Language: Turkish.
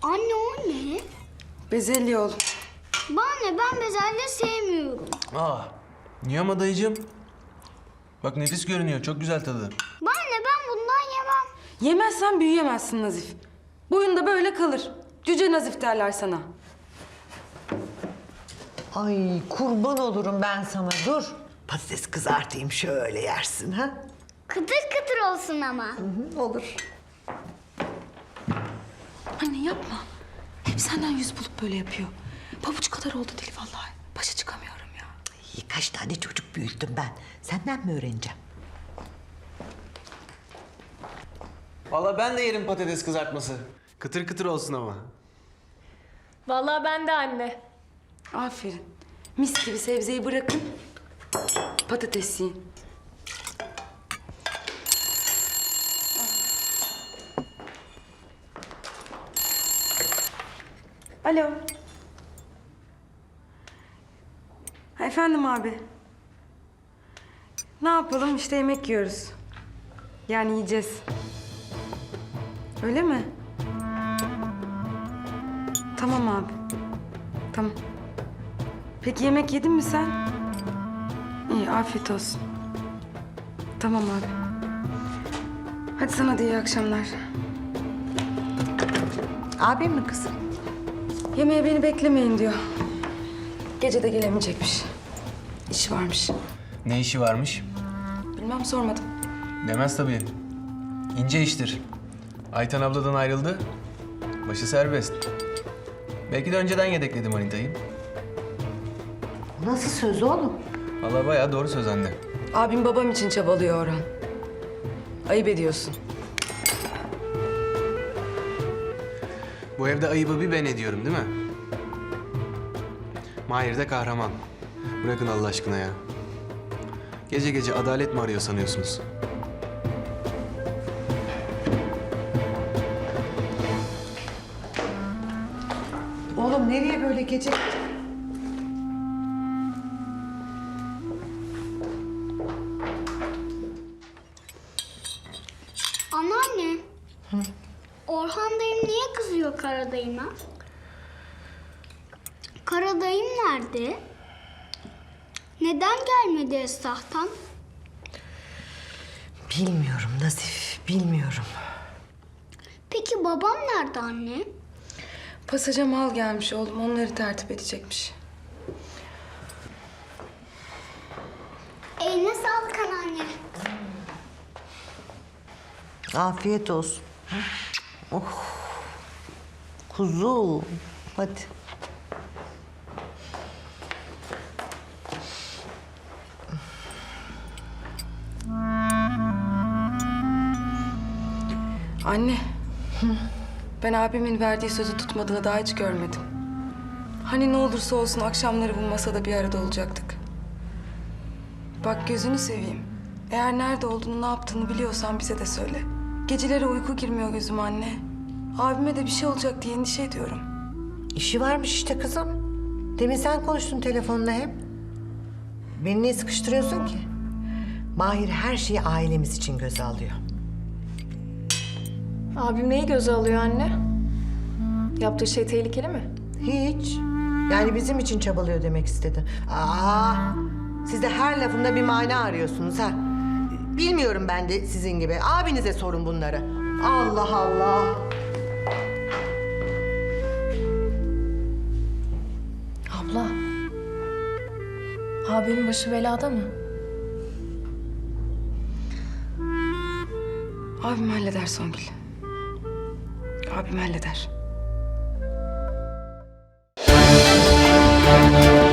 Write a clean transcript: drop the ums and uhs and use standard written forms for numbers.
Anne o ne? Bezelye oğlum. Bana ne, ben bezelye sevmiyorum. Niye ama dayıcığım? Bak nefis görünüyor, çok güzel tadı. Bana ne, ben bundan yemem. Yemezsen büyüyemezsin Nazif. Boyunda böyle kalır. Cüce Nazif derler sana. Ay kurban olurum ben sana, dur. Patates kızartayım, şöyle yersin ha. Kıtır kıtır olsun ama. Olur. Anne yapma. Hep senden yüz bulup böyle yapıyor. Pabuç kadar oldu deli vallahi. Başa çıkamıyorum ya. İyi, kaç tane çocuk büyüttüm ben. Senden mi öğreneceğim? Vallahi ben de yerim patates kızartması. Kıtır kıtır olsun ama. Vallahi ben de anne. Aferin. Mis gibi sebzeyi bırakın. Patates yiyin. Alo. Ha, efendim abi. Ne yapalım işte yemek yiyoruz. Yani yiyeceğiz. Öyle mi? Tamam abi. Tamam. Peki yemek yedin mi sen? İyi, afiyet olsun. Tamam abi. Hadi sana da iyi akşamlar. Abim mi kızım? Yemeğe beni beklemeyin diyor. Gece de gelemeyecekmiş. İşi varmış. Ne işi varmış? Bilmem, sormadım. Demez tabii. İnce iştir. Ayten abladan ayrıldı. Başı serbest. Belki de önceden yedekledi manitayı. Nasıl söz oğlum? Vallahi bayağı doğru söz anne. Abim babam için çabalıyor Orhan. Ayıp ediyorsun. Bu evde ayıbı bir ben ediyorum değil mi? Mahir de kahraman. Bırakın Allah aşkına ya. Gece gece adalet mi arıyor sanıyorsunuz? Oğlum nereye böyle gece? Anneanne. Orhan dayım niye kızıyor Karadayı'na? Karadayım nerede? Neden gelmedi Esrah'tan? Bilmiyorum Nazif, bilmiyorum. Peki babam nerede anne? Pasaja mal gelmiş oğlum. Onları tertip edecekmiş. Eline sağlık anneanne. Afiyet olsun. Oh. Kuzu. Hadi. Anne. Ben abimin verdiği sözü tutmadığını daha hiç görmedim. Hani ne olursa olsun akşamları bu masada bir arada olacaktık. Bak gözünü seveyim. Eğer nerede olduğunu, ne yaptığını biliyorsan bize de söyle. Geceleri uyku girmiyor gözüme anne. Abime de bir şey olacak diye endişe ediyorum. İşi varmış işte kızım. Demin sen konuştun telefonla hep. Beni niye sıkıştırıyorsun ki? Mahir her şeyi ailemiz için göze alıyor. Abim neyi göze alıyor anne? Yaptığı şey tehlikeli mi? Hiç. Yani bizim için çabalıyor demek istedi. Siz de her lafında bir mana arıyorsunuz ha. Bilmiyorum ben de sizin gibi. Abinize sorun bunları. Allah Allah. Abla. Abimin başı belada mı? Abim halleder Songül. Abim halleder.